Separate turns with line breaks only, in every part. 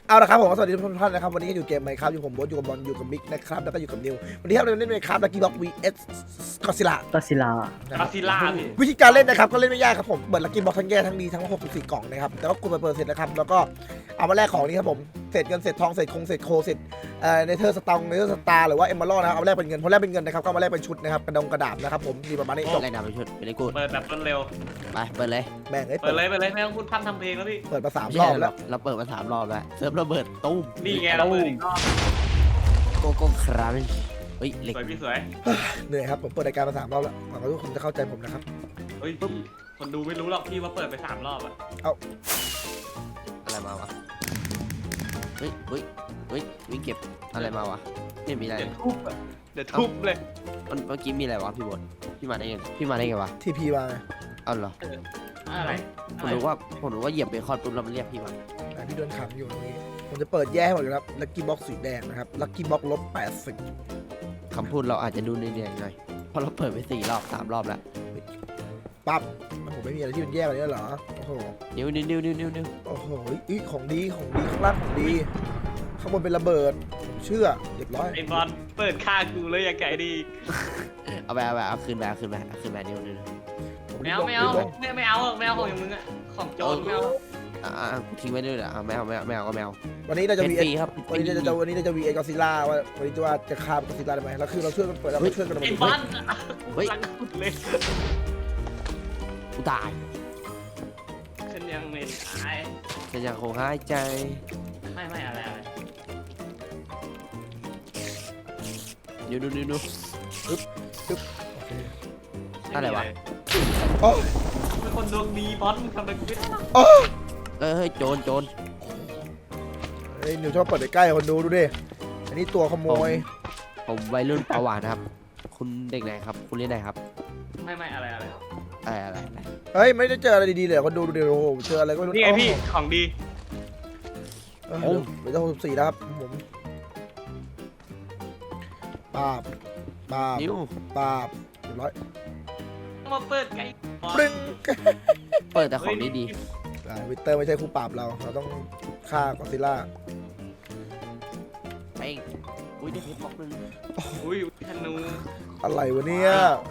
เอาละครับผมสวัสดีทุกท่านนะครับวันนี้อยู่เกมไหมครับอยู่ผมโบ๊ทอยู่กับบอลอยู่กับมิกนะครับแล้วก็อยู่กับนิววันนี้ครับเราเล่นไหมครับลักกี้บ็อก vs ก็ซิล่า
ก็ซิลา
ก็ซิล่าพี่
วิธีการเล่นนะครับก็เล่นไม่ยากครับผมเปิดลักกี้บ็อกทั้งแย่ทั้งดีทั้ง64กล่องนะครับแต่ก็กดไปเปิดเสร็จนะครับแล้วก็เอามาแลกของนี้ครับผมเศษเงินเศษทองเศษคงเศษโคเศษเนเธอร์สตองเนเธอร์สตาร์หรือว่าเอมเบอร์นะครับเอามาแลกเป็นเงินพอแลกเป็นเงินนะครับก็มาแลกเป็นชุดนะครับกระดาษนะครับผมมีประมาณนี้จบ
แรงดำไปชุดไปเลยกู
เปิดแบบรวดเร็ว
ไปเปิดเลย
แม่ง
เปิดเลยไม่ต้องพูดพร่ำทำเพลงแล้วพี่
เปิดมา3รอบแล้ว
เราเปิดมา3 รอบแล้วเซิร์ฟระเบิดตุ้ม
นี่ไงเราเปิดอีกรอบ
โกโก้ครันเฮ้ยเหล็ก
สวยพี่สวย
เหนื่อยครับผมเปิดรายการมา3รอบแล้วหวังว่าทุกคนจะเข้าใจผมนะครับ
เฮ้ยพี่คนดูไม่รู้หรอกพี่ว่าเปิดไป3 รอบอะ
อะไรมาวะเฮ้ยวิ่งเก็บอะไรมาวะไม่มีอะไร
เดี๋ยวทุบอะเดี๋ยวทุบเลย
เมื่อกี้มีอะไรวะพี่บดพี่มาได้ไงวะ
ทีพีมาไง
เอาเหรอ
อะไร
ผมรู้ว่าเหยียบเบคอนปุ๊บแล้วมันเรียกพี่มา
แต่พี่โดนขังอยู่ตรงนี้ผมจะเปิดแย่ให้หมดเลยครับลักกี้บ็อกสีแดงนะครับลักกี้บ็อก-80
คำพูดเราอาจจะดูเหนื่อยๆหน่อยเพราะเราเปิดไป4 รอบ 3 รอบแล้ว
ปั๊บผมไม่มีอะไรที่มันแย่กว่านี้แล้วเหรอโอ้โห
นิ้ว
โอ้โหอีของดีข้างล่างของดีข้างบนเป็นระเบิดผมเชื่อเรียบร้อย
ไอ้บอลเปิดค่ากูเลยอย่าไก่ดี
เอาคืนมานิ้ว
ไม่เอาของอย่างมึงอะของโจรไม่เอา
กูทิ้งไว้ด้วยเหรอไม่เอาก็ไม่เอา
วันนี้เราจะ
เป็น
วี
ฟรีครับ
วันนี้เราจะวีเอ็กซ์ซิล่าว่าวันนี้จะฆ่าก็ซิล่าได้ไหมแล้วคือเราช่วยกันเปิดเราช่วยกัน
ไอ้บอลกูรังขุดเลย
กูตาย
ฉันยังไม่ตาย
ฉันยังคงหายใจ
ไม่อะไร
นิ้ว อะไรวะ
โอ้
เป็นคนดวงดีบอลมึงทำอะไรกูไม่ได้หรอก
โอ้
เฮ้ยโจร
ไอ้หนูชอบเปิดใกล้ๆคนดูดิอันนี้ตัวขโมย
ผมวัยรุ่นประหวานนะครับ คุณเด็กไหนครับ คุณเรียนไหนครับ
ไม่อะไร
อะไร
เฮ้ยไม่ได้เจออะไรดีๆเลยคนดูดิโอ้โหเจออะไรก็ไม่รู้
นี่ไงพี่ของดี
เดี๋ยวจะ64นะครับผมปาบ
นิ้ว
ปาบเรียบร้อย
มาเปิดไง
ปรึ้ง
เปิดแต่ของดี
วิเตอร์ไม่ใช่คู่ปราบเราต้องฆ่าก็ซิล่า
ๆเป้งอุ้ยได้เพชรบล็อกนึง
อุ้ยธนู
อะไรวะเนี่ย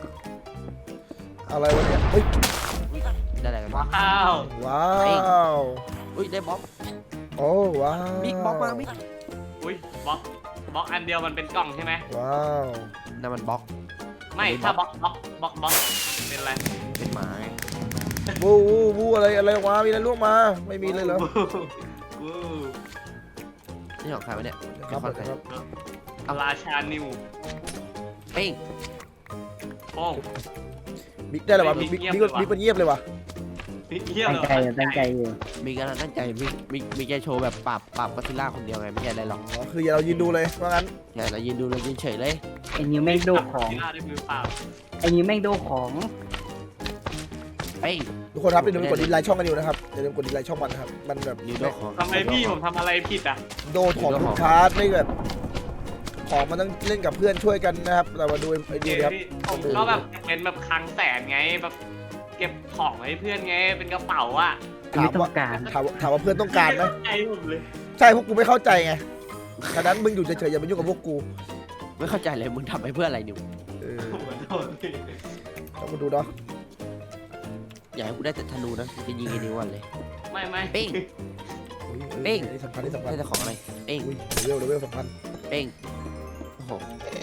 อะไรวะเนี่ยเฮ้ย
อุ้ยได้อะไรกันวะ
ว้าว
ว้าว
อุ้ยได้บล็อก
โอ้ว้าว
บิ๊กบล็อกมาบิ๊ก
อุ้ยบล็อกอันเดียวมันเป็นกล่องใช่ไหม
ว้าว
นั่นมันบล็อก
ไม่ถ้าบล็อกเป็นอะไร
เป็นหมาไง
วูอะไรวะมีอะไรล่วงมาไม่มีเลยเหรอ
วู้
นี่ของใครวะเนี่ย
ครับ
ของใคร
ครับ
ราชานิว
เป้ง
โป้ง
บิ๊กได้แล้ววะบิ๊กมันเงียบเลยวะ
เยี่ยม
ตั้งใจอยู่
มีการตั้งใจมีแกโชว์แบบปราบก็อดซิลล่าคนเดียวไงไม่ใช่อะไรหรอก
อ๋อคืออย่าเรายืนดูเลยว่างั้น
ใช่เรายืนดูเรายืนเฉยเลย
ไอ้นิวแม่งโดของ
ได้มือเปล่า
ไอ้นิวแม่งโดของ
เป้ง
ทุกคนครับอย่าลืมกดดิสไลค์ช่องกันอยู่นะครับอย่าลืมกดดิสไลค์ช่องมันนะครับมันแบบ
นิ้วโดของ
ทำไมพี่ผมทำอะไรผิดอ่ะ
โดนของทุกชาร์จไม่แบบของมันต้องเล่นกับเพื่อนช่วยกันนะครับแต่มาดูไอ้ดูครับ
ผมก็แบบเป็นแบบคลังแสนไงแบบเก็บของให้เพื่อนไงเป็นกระเป๋าอ่ะ
ไม่ต้องการ
ถามว่าเพื่อนต้องการไหม
ใจผมเลย
ใช่พวกกูไม่เข้าใจไงฉะนั้นมึงอยู่เฉยๆอย่าไปยุ่งกับพวกกู
ไม่เข้าใจเลยมึงทำไปเพื่ออะไรนิ้ว
ผมขอโทษพี่
ต้องมาดูเนาะ
อยากให้กูได้แต่ธนูนะจะยิงไอ้นิ้วก่อนเลย
ไม่
เป้ง
เป้งนี่สำคัญ
ได้แต่ของอะไรเป้ง
อุ้ยเลเวลสำคัญ
เป้งโอ้โห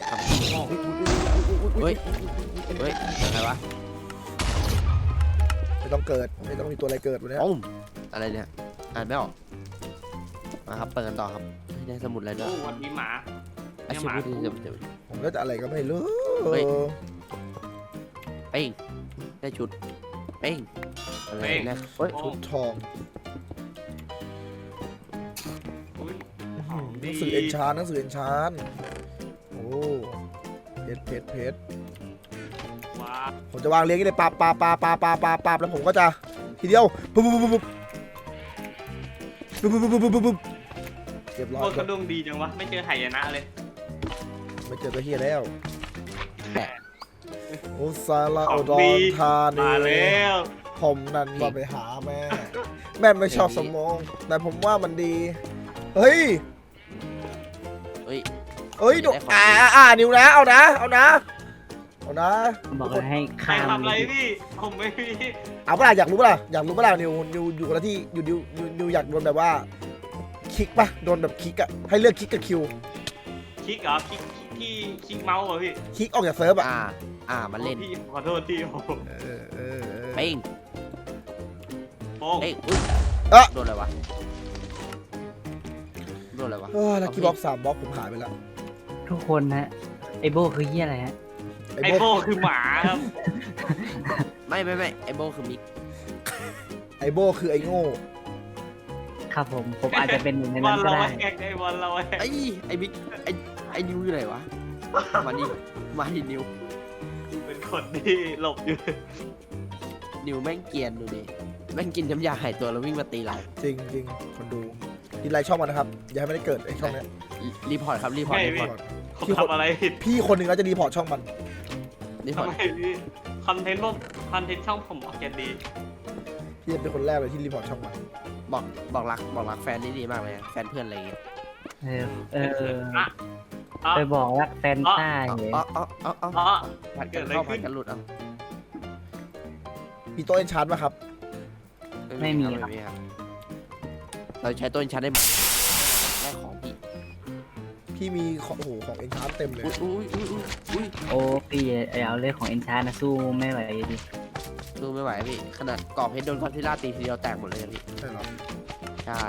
เฮ้ยอะไรวะ
ไม่ต้องเกิดไม่ต้องมีตัวอะไรเกิดวันนี้
โอ้มอะไรเนี่ยอ่านไม่ออกมาครับเปิดกันต่อครับได้สมุดอะไรด้ว
โอ้
ย
วันนี้หมา
อาชีพที่จะ
ผมก็จะอะไรก็ไม่รู้
เป้งได้ชุดเป้งอะไรนะเฮ้ย
ชุดทอง
อุ้ย
หนังสือเอนชานโอ้เพชร
ว้า
ผมจะวางเรียงกันเลยปาบแล้วผมก็จะทีเดียวปุ๊บเรียบร้อย
คนกระดวงดีจังวะไม่เจอไหายนะเลย
ไม่เจอตัวเฮียแล้ว
แปะ
โอ้ซาลาโอดอนธานี
มาแล้ว
ผมนั่นว่าไปหาแม่ไม่ชอบสมองแต่ผมว่ามันดีเฮ้ย
เฮ้ย
เอ้ย
ได้ของดี
นิวนะเอานะ
บอกเลยให้
ใคร
ข้าม
ทำอะไรพี่ผมไม่มี
เอาเปล่าอยากรู้เปล่านิวอยู่คนละที่นิวอยากโดนแบบว่าคลิกปะโดนแบบคลิกอะให้เลือกคลิกกับคิว
คลิกเหรอคลิกที่คลิกเมาส์เหรอพี่
คลิกออกจากเซิร์ฟอะ
มันเล่น
พี่ขอโทษที่ผม
เออ
เป้ง
โป้ง
เป้งอุ๊ย
เอ๊ะ
โดนอะไรวะโดนอะไรวะ
ลักกี้บ็อก3บล็อกผมหายไปแล้ว
ทุกคนนะไอโบคือเหี้ยอะไรฮะ
ไอโป้คือหมาครับ
ไม่ไอโบคือมิก
ไอโบคือไอโง่
ครับผมอาจจะเป็นหนึ่งใน
บอ
นั้น
ล
ก็
เรา
ได้
แหกไอบอลเราแหก
ไอมิกไอนิวอยู่ไหนวะมาดินิว
เป็นคนที่หลบอยู่
นิวแม่งเกรียนดูดิแม่งกินน้ำยาหายตัวแล้ววิ่งมาตีเรา
จริงคนดูดีไลค์ช่องมันนะครับอย่าให้มันได้เกิดไอช่องเนี้ย
รีพอร์ตครับรีพอร์ต
ผมทำอะไรผิด
พี่คนหนึ่งก็จะรีพอร์ตช่องมัน
รีพอร์
ทำ
ต
ไมพี่คอนเทนต์ช่องผมออกแกนดี
พี่เป็นคนแรกเลยที่รีพอร์ตช่องมัน
บอกรักแฟนนี่ดีมากเลยแฟนเพื่อนอะไรอย่างเงี้ย
ไปบอกรักแฟนต้าเหรอ
อ๋อ
ผัดกันเข้าผัดกันหลุดเอา
มีโต๊ะเอนชาร์ดป่ะครับ
ไม่มี
ครับเราใช้ต้นชั้นได้แรกของพี่
พี่มีของของเอนชาร์ดเต็มเลย
อุ้ย
โอ้พี่เอาเรื่องของเอ็นชานะสู้ไม่ไหวดิ
สู้ไม่ไหวพี่ขนาดกรอบเพชรโดนคอนทิล่าตีทีเดียวแตกหมดเลยพี่
ใช่หรอ
ใช่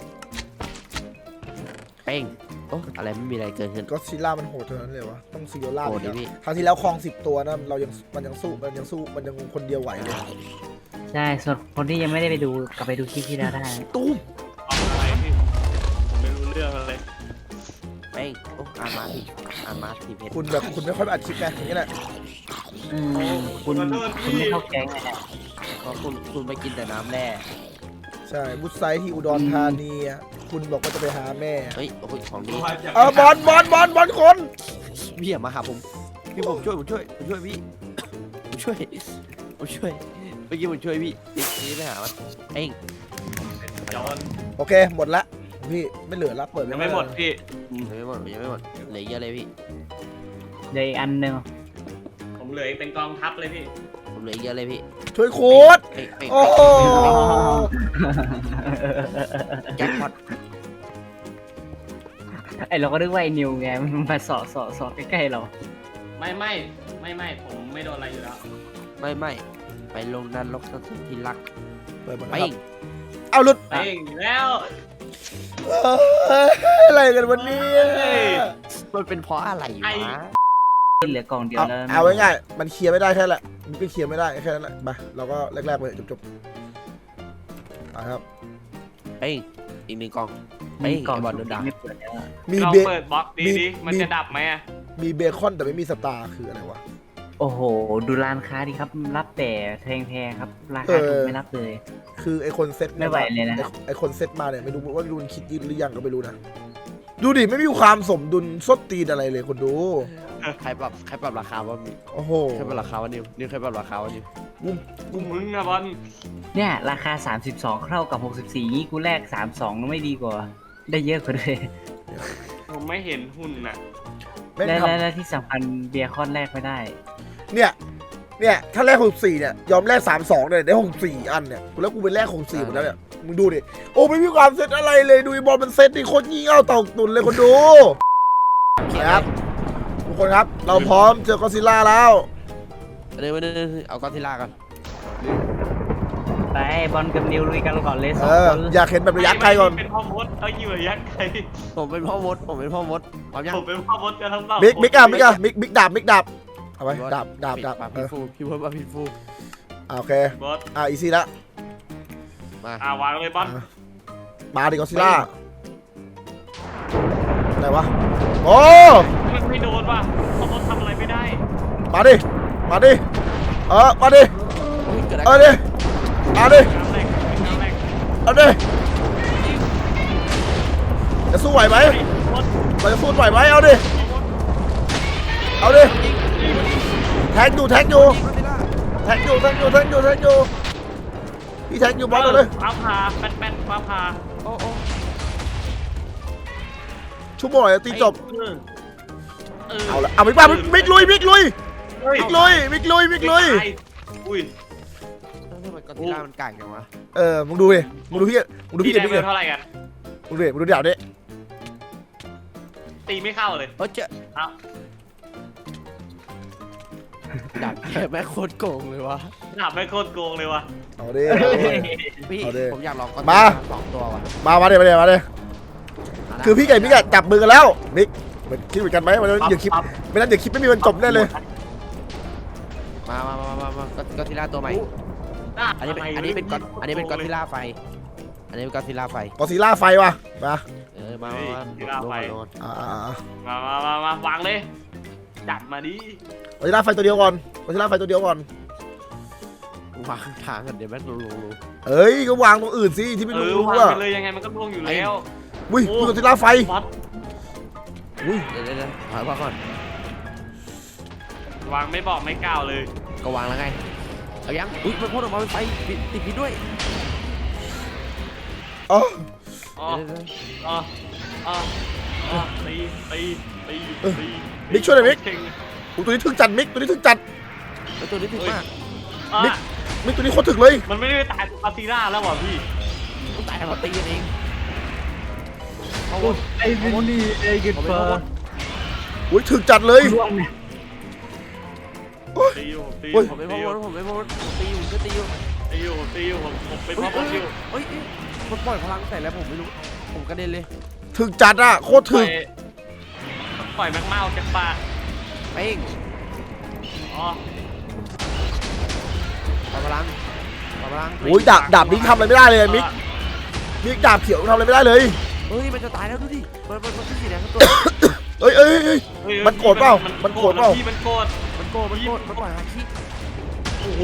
เป้งโอ้อะไรไม่มีอะไรเกิดขึ้น
ก็ซิล่ามันโหดเท่านั้นเลยวะต้องซิโอล่า
โหด
เลย
ดิพี่
ครั้งที่แล้วคลอง10 ตัวนะมันยังสู้มันยังคนเดียวไหวเลย
ใช่ส่วนคนที่ยังไม่ได้ไปดูกลับไปดูคลิปที่แล้วได้
ตุ้ม
เอาอะไรพี่ผมไม่รู้เรื่องอะไร
เป้งโอ้อ่านมาทีเพชร
คุณไม่ค่อยไปอัดคลิปไงอย่างนี้แหละ
คุณไม่เข้าแก๊งไง
เพราะคุณไปกินแต่น้ำแร่
ใช่บุษไซที่อุดรธานีอะคุณบอกว่าจะไปหาแม่
เฮ้ยโอ้ยของดี
บอลคน
พี่อย่ามาหาผมพี่ผมช่วยพี่ผมช่วยเมื่อกี้ผมช่วยพี่นี่ไปหามันเป้ง
จอน
โอเคหมดละพี่ไม่เหลือละเปิด
ยังไม่หมดพี่
ยังไม่หมดเหลือเยอะเลยพี่
เดี๋ยวอีกอันหนึ่ง
ผมเหลือเป็นกองทัพเลยพี่
ผมเหลือเยอะเลยพี่
ช่วยโค้ด
เป้ง
โอ้โห
แจ็คพอต
ไอเราก็นึกว่าไอนิวไงมันมาสอใกล้ๆเรา
ไม่ผมไม่โดนอะไรอยู่แล้ว
ไม่ไปลงนั้นลกสักทีรัก
เปิดหมด
เป้
นะครับ
ง
เอาหลุด
เป้งอยู่แล้ว
อะไรกันวันนี้
มันเป็นเพราะอะไรวะ
เหลือกล่องเดียวแล้ว
เอาง่ายๆมันเคลียร์ไม่ได้แค่แหละมันก็เคลียร์ไม่ได้แค่นั้นแหละมาเราก็แรกๆไปจบครับ
เป้งอีกหนึ่งกล่อง
มีกล่อง
ไอ้บอลโดนด่า
ไม่เปิดแล้ว
มี
ลอง
เบ
เปิดบล็อกดีมันจะดับไหมอะ
มีเบคอนแต่ไม่มีสตาร์คืออะไรวะ
โอ้โหดูร้านค้าดิครับรับแต่แพงๆครับราคาถูกไม่รับเลย
คือไอคนเซ็ต
ไม่ไหวเลยนะ
ไอคนเซ็ตมาเนี่ยไม่รู้ว่ารุนคิดยืนหรือยังก็ไม่รู้นะดูดิไม่มีความสมดุลส้นตีนอะไรเลยคนดู
ใครปรับราคาวะมี
โอ้โห
ใครปรับราคาวะนิวใครปรับราคาวะนิว
กูมึงอะบอล
เนี่ยราคา32เข้ากับ64นี่กูแลก32ไม่ดีกว่า ได้เยอะกว่าด้วย
ผมไม่เห็นหุ่นอะ
แม่ง
และ
ท
และที่สำคัญเบียร์คอนแลกไม่ได้
ำเนี่ยถ้าแลก64เนี่ยยอมแลก32เลยได้64อันเนี่ยแล้วกูไปแลก64หมดแล้วเนี่ยมึงดูดิโอ้ไม่มีความเซ็ตอะไรเลยดูบอลมันเซ็ตดิโคตรงี่เง่าเต่าตุนเลยคนดูครับทุกคนครับเราพร้อมเจอกอซิลล่าแล้ว
เดี๋ยวเอาก้อนที่ลากัน
ไปบอลกับนิวลุยกันก่อนเลยส
เอ
อง
อ
คน
อยากเห็นแบบระยะไกลก่อน
เป็นพ่อมดเอาอยู่ระยะไกล
ผมเป็นพ่อมดพร้อมยัง
ผมเป็นพ่อมดกันทั้งสอง
มิกดาบเอาไว้ดาบ
ปาพิฟูพี่เพิ่มปาพิฟู
โอเค
บอส
อีซี่ละ
มาว
างเลยบอส
มาดิกอซิลล่าไหนวะโอ้
มันไม่โดนว่ะพ่อมดทำอะไรไม่ได้
มาดิมาดิมาดิ
เกิดอะไร
เอาดิเอาดิ
น้ำแรก
เอาดิจะสู้ไหวไหม
บอส
เราจะสู้ไหวไหมเอาดิเอาดิแทงอยู่พี่แทงอยู่บอลเลย
ฟ้าผ่าแป้นฟ้าผ่า
โอ้
ชั่วโมงไหนตีจบ
เออ
เอาละเอามิกมามิกลุยมิกลุย
เฮ้ย
มิกลุยมิกลุยมิกลุย
ตายอุ้ย
ทำไมกอซิลล่ามันกากจังวะ
มึงดูดิมึงดูพี่มึงดู
พี่
พี่
ได้
มิก
เงิ
ดิ
นเท่าไหร่กัน
มึงดูดิมึงดูเดี๋ยวดิ
ตีไม่เข้าเลย
เออเจ๊
เอ้า
ดักแกแม่งโคตรโกงเลยวะ
ถามไม่โคตรโกงเลยวะ
เอาดิ
พี่
เอาดิ
ผมอยากลองกอซิล
มา
ล่า2 ตัวว่ะ
มาเดี๋ยวมาเดี๋ยวคือพี่ไก่มิกอะจับมือกันแล้วมิกมันคิดเหมือนกันไหมมันเดี๋ยวคลิปไม่นั้นเดี๋ยวคลิปไม่มีวันจบแน่เลย
มากอซิลล่าตัวใหม่ อันนี้เป็นกอซิลล่าไฟ อันนี้เป็นกอซิลล่าไฟ
กอซิล่าไฟว่ะมา
มาโดน
มาวางเลยจัดมาดิ
กอซิล่าไฟตัวเดียวก่อนกอซิล่าไฟตัวเดียวก่อน
วางทางกันเดี๋ยวแม่งรู้
เอ้ยก็วางตรงอื่นสิที่ไม่รู้
วาง
อ่ะ
ไปเลยยังไงมันก็ล่วงอยู่แล้ว
อุ้ยกอซิล่าไฟ
วัด
อุ้ย
เดี๋ยวถอยมาก่อน
วางไม่บอกไม่กล่าวเลย
ก็วางแล้วไงเอายังอุ้ยมันพ่นออกมาเป็นไฟติดพิษด้วย
อ๋อ
อ๋ออ๋ออ๋ออ๋อตี
มิกช่วยหน่อยมิกอุ๊ยตัวนี้ถึงจัดมิกตัวนี้ถึงจัด
แล้วตัวนี้ถึงมาก
มิกตัวนี้โคตรถึงเลย
มันไม่ได้ตายตัวคาซีร่าแล้วว่ะพี่
ต้องตายเพราะตีกันเอง
ไอ้วินนี่ไอ้กิดเฟอร์
อุ้ยถึงจัดเลย
ร่วงเนี่ย
ตีอยู่ตี
ผมไม่พ้นผมตีอยู่ก็ตีอยู่
ผมไปพบอยู่
เฮ้ยมันปล่อยพลังใส่แล้วผมไม่รู้ผมกระเด็นเลย
ถึงจัดอ่ะโคตรถึง
ปล่อยแมกเมาจากปาก
เป้ง
อ๋อ
ปล่อยพลัง
โอ้ยดาบมิกทำอะไรไม่ได้เลยมิกดาบเขียวทำอะไรไม่ได้เลย
เฮ้ยมันจะตายแล้วดูดิมันขึ้นสีแดงตัว
เอ้ยมันโกรธเปล่ามันโกรธเปล่า
พี่มันโกรธ
มันปล่อยฮาคิ
โอ้โห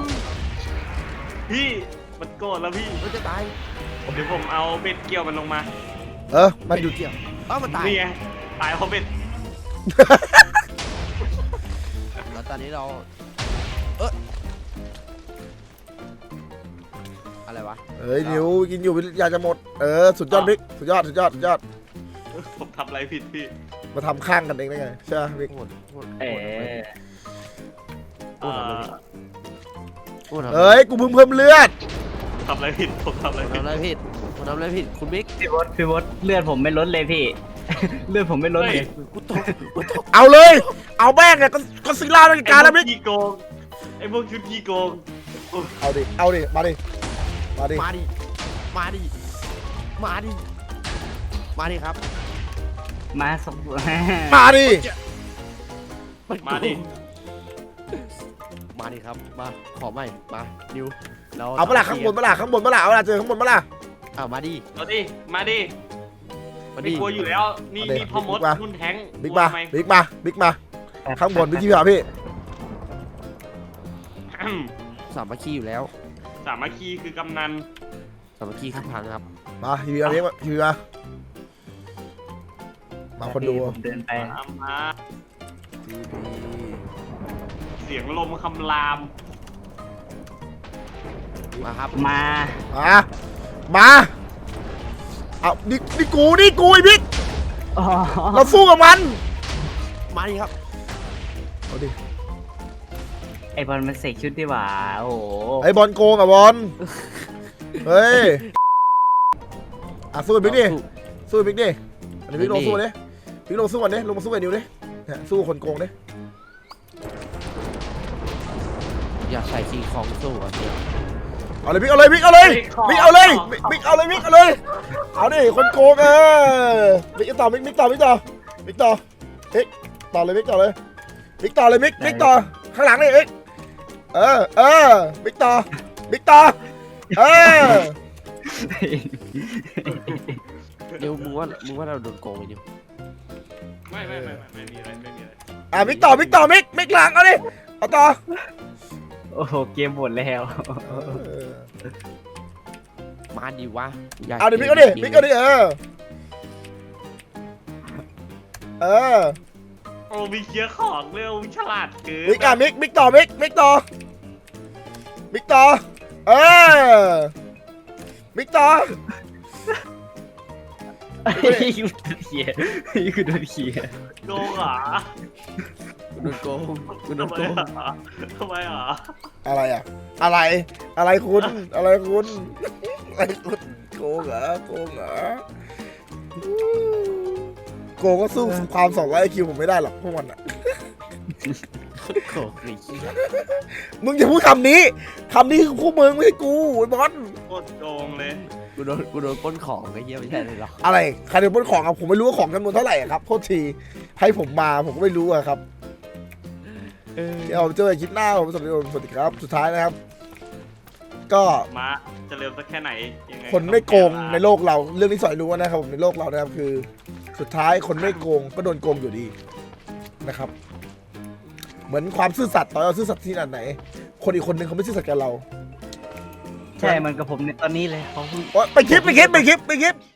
พี่มันโกรธแล้วพี่
มันจะตาย
เดี๋ยวผมเอาเบ็ดเกี่ยวมันลงมา
มันอยู่
เกี่ยวมันตาย
นี่ไงตายเพราะเบ็ด
แล้วตอนนี้เราอะไรวะ
เอ้ยนิวกินอยู่อยากจะหมดสุดยอดมิกสุดยอด
ผมทำอะไรผิดพี่
มาทำข้างกันเองได้ไงใช่ไหมมิก
เอ๋
เอ้ยกูเพิ่มเลือด
ทำอะไรผิดผมทำอะไร
ผม
ผิด
ทำอะไรผิดคุณบิ๊ก
พี่วดเลือดผมไม่ลดเลยพี่ เลือดผมไม่ลดเลย
กูตก
เอาเลยเอาแม่งเนี่ยก็ซิล่าเป็นการแล้วมิก
ขี้โกงไอ้พวกชุดขี้โกง
เอาดิมาดิ
ครับ
มาสก
มาดิ
มาดิ
ครับมาขอใหม่มาดิวเรา
เอาเปล่าข้างบนเปล่าเอาเวลาเจอข้างบนเปล่า
มาดิไม่กลัวอยู่แล้วนี่พ่อมดนุ่นแท้ง
บิ๊กมาข้างบนพี่พี่
สามัคคีอยู่แล้ว
สามัคคีคือกำนัน
สามัคคีคือพังครับ
มาพี่มาคนดู
ผมเดินไป
มาเสียงลมคำราม
มาครับ
มาเอานี่กูไอ้บิ๊ก
อ๋อ
เราสู้กับมัน
มาดิครับ
เอาดิ
ไอบอลมันเสกชุดดีหว่าโอ้โห
ไอ้บอลโกงอะบอลเฮ้ยสู้บิ๊กดิสู้บิ๊กดิอันนี้บิ๊กลงสู้ดิบิ๊กลงสู้กันดิลงมาสู้กับนิวดิสู้คนโกงดิ
อยากใส่คิงคองสู้อ่ะเนี่ย
เอาเลยบิ๊กเอาเลยบิ๊กเอาเลยเอาดิคนโกงบิ๊กต่อบิ๊กต่อเลยบิ๊กต่อเลยบิ๊กต่อข้างหลังนี่บิ๊กบิ๊กต่อ
ดิวมึงว่าเราโดนโกงไหมดิว
ไม่มีอะไร
บิ๊กต่อบิ๊กหลังเอาดิเอาต่อ
โอ้โหเกมหมดแล้ว
มาดิวะ
เอาดิบิ๊กเอาดิ
โอ้มีเคลียร์ของเร็วฉลาดเกิน
บิ๊กต่อบิ๊กต่อบิ๊กต่อ
ไอ้กูโดนเขียไอ้กูโดนเขีย
โกงเหรอ
กูโดนโกงกูโดน
ทำไม
โกง
อ่ะทำไมอ่ะ
อะไรอ่ะ อะไรคุณอะไรคุณอะไรคุณโกงเหรอโกงเหรอโกงก็สู้ความ200 IQ ผมไม่ได้หรอกพวกมันอ่ะ
โกงไอ้เหี้ย
มึงอย่าพูดคำนี้คือพวกมึงไม่ใช่กูไอ้บอส
โคตรโกงเลย
กูโดนปล้นของไอ้เหี้ยไม่ใช่เลยหรอ
อะไรใครโดนปล้นของครับผมไม่รู้ว่าของจำนวนเท่าไหร่อะครับโทษทีให้ผมมาผมก็ไม่รู้อะครับเดี๋ยวผมเจอกันคลิปหน้าผมสวัสดีครับสุดท้ายนะครับ ก็
มาจะเร็วสักแค่ไหนยังไง
คนไม่โกงในโลกเราเรื่องที่สอนรู้นะครับผมในโลกเรานะครับคือ สุดท้ายคนไม่โกงก็โดนโกงอยู่ดีนะครับ เหมือนความซื่อสัตย์ต่อให้เราซื่อสัตย์ที่ขนาดไหน คนอีกคนนึงเขาไม่ซื่อสัตย์กับเรา
ใช่มันกับผมในตอนนี้เลยเขาเพิ่ง
โอ๊ยไปคลิป